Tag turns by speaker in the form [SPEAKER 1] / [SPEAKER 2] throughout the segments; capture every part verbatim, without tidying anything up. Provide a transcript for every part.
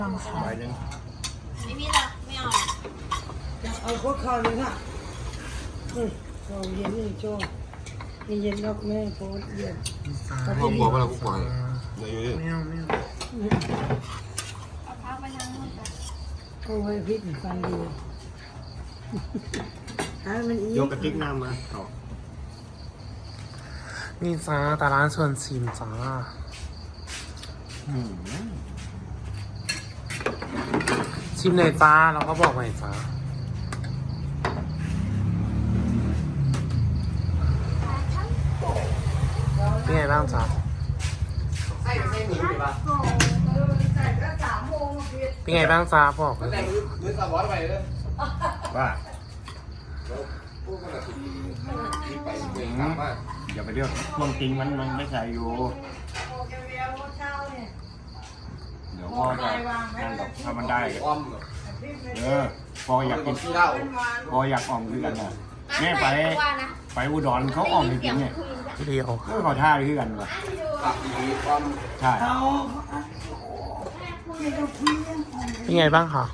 [SPEAKER 1] ใบหนึ่ง
[SPEAKER 2] ไม่มีหรอกไม่เอา
[SPEAKER 3] เอาพวกข้าวเลยค่ะอืมข้าวเย็นนี่โจ้นี่เย็นแล้วแม่โพสเย็น
[SPEAKER 1] พ่อบอกว่าเรากูปล่อยเดี๋ยวอยู่ดิ
[SPEAKER 4] ไม่เอาไม่เอา
[SPEAKER 2] เอาพักไปทางนู้นกัน
[SPEAKER 3] เอาไว้พริกฟันดีให้มันอี
[SPEAKER 1] ยกกระติกน้ำมาต่อ
[SPEAKER 4] นี่จ้าตาร้านส่วนชิมจ้า
[SPEAKER 1] อืม
[SPEAKER 4] ชิมเลยจ้าแล้วก็บอกหน่อยจ้าเป็นไงบ้างจ้าเป็นไงบ้างจ้าบอกเลย
[SPEAKER 1] ว่าอย่าไปเรียกช่วงจริงมันมันไม่ใส่อยู่เดี๋ยวพ่อจะนั่นกับถ้ามันได้เออพออยากกินพออยากอ่อมคือกันนะแม่ไปไปอุดรเขาอ่อมจริงๆเนี่ย
[SPEAKER 4] เดียว
[SPEAKER 1] ก็ขอท่าคือกันวะใช่
[SPEAKER 3] เอา
[SPEAKER 4] เป็นไงบ้างคะ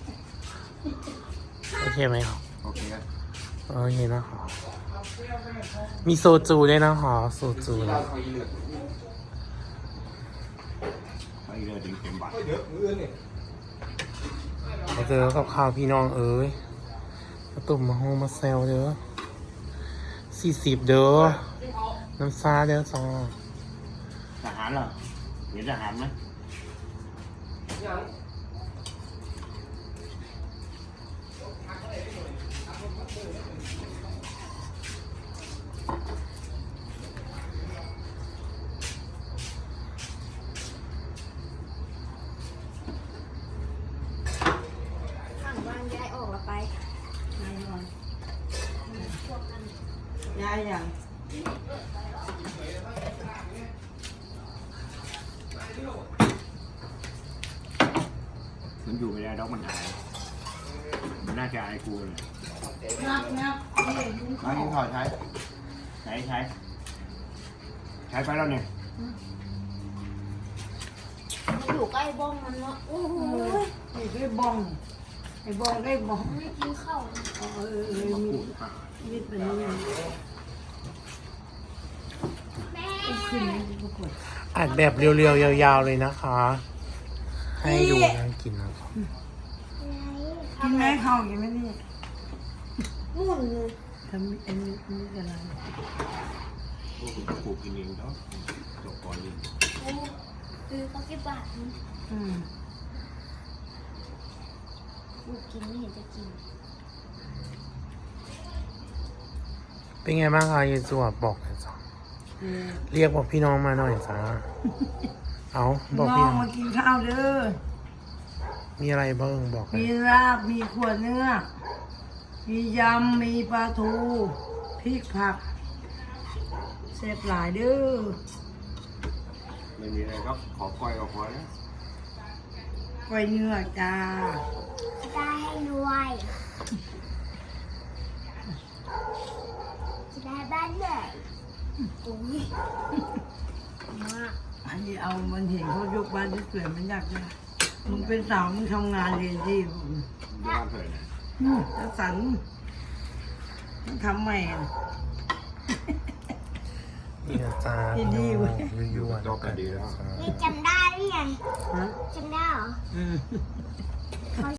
[SPEAKER 4] โอเคไหมครับ
[SPEAKER 1] โอเค
[SPEAKER 4] โอเคนะคะมีโซจูด้วยนะคะโซจูนะ
[SPEAKER 1] ไปเลยถึงเต็มบัตร
[SPEAKER 4] มาเจอกับข้าวพี่น้องเอ้ยมาตุ่มมาโฮมาเซลเด้อสี่สิบเด้อน้ำซาเด้อจ้า
[SPEAKER 1] ทหารเหรอเห็นทหารไหม
[SPEAKER 2] ข้างบ้านย้ายออกแล้วไป
[SPEAKER 3] ยายอย่าง
[SPEAKER 1] มันอยู่ไม่ได้ดอกมันหายมันน่าจะอายกูเลย
[SPEAKER 3] นับนับนี่
[SPEAKER 1] มายิงถอดใช้ใช้ใช้ใช้ไปแล้วเนี่ย
[SPEAKER 2] มันอยู่ใกล้บ้องมันเนาะโอ้โห
[SPEAKER 3] ไอ้ได้บ้องไอ้บ้องได้บ้อง
[SPEAKER 2] ไม่กินข้าวนะ
[SPEAKER 3] เออเออเออ
[SPEAKER 1] มา
[SPEAKER 3] มี
[SPEAKER 1] ปูดปาก
[SPEAKER 3] มีดเป็นนี่
[SPEAKER 2] แม่
[SPEAKER 3] ขึ้นนี่ก็ปวด
[SPEAKER 4] อัดแบบเรียวๆยาวๆเลยนะคะ ให้ดูน่ากินนะครับ
[SPEAKER 3] กินไหมข้าวกินไหมนี่
[SPEAKER 2] หมุนเลย
[SPEAKER 3] ทำอันนี้อันนี้อะไร
[SPEAKER 1] พวกคุณปลูกกินเองเนาะจบก่อนเลย
[SPEAKER 2] โอ้คือเขากี่บาทนี่
[SPEAKER 3] อืม
[SPEAKER 2] กูกินไม่เห็นจะกิน
[SPEAKER 4] เป็นไงบ้างคะยายจวบบอกหน่อยจ้า
[SPEAKER 3] เออ
[SPEAKER 4] เรียกบอกพี่น้องมาหน่อยจ้าเอาบอก
[SPEAKER 3] น้
[SPEAKER 4] พี่
[SPEAKER 3] อง
[SPEAKER 4] น้อง
[SPEAKER 3] มากินข้าวเด้อ
[SPEAKER 4] มีอะไรบ้างบอกเล
[SPEAKER 3] มี
[SPEAKER 4] ย
[SPEAKER 3] ลาบ มีขวดเนื้อ มียำ มีปลาทูพริกผักเสร็จหลายเด้อ
[SPEAKER 1] ไม่มีอะไรก็ขอก้อยก็พอแล้ว
[SPEAKER 3] ไว้เนื้อจ้า
[SPEAKER 2] จะได้ให้รวยจะได้บ้านใหญ่โอ้ยมาก
[SPEAKER 3] อันนี้เอามันเห็นเขายกบ้านที่สวยมันอยากได้มึงเป็นสาวมึงทำงานเรียนที่ผม
[SPEAKER 1] บ้านเถิดนะ
[SPEAKER 3] อืมแล้วสันมึงทำใหม่อะ
[SPEAKER 4] นี่นะจ้า
[SPEAKER 3] ดี
[SPEAKER 4] พี่
[SPEAKER 3] ๆ
[SPEAKER 4] น้
[SPEAKER 3] เว้
[SPEAKER 4] อย งยั่วๆ
[SPEAKER 1] ก็กันดีแล้ว
[SPEAKER 4] จ้า
[SPEAKER 2] นี่จำได้หรือไง
[SPEAKER 3] ฮะ
[SPEAKER 2] จำได้เหรอ
[SPEAKER 3] อืม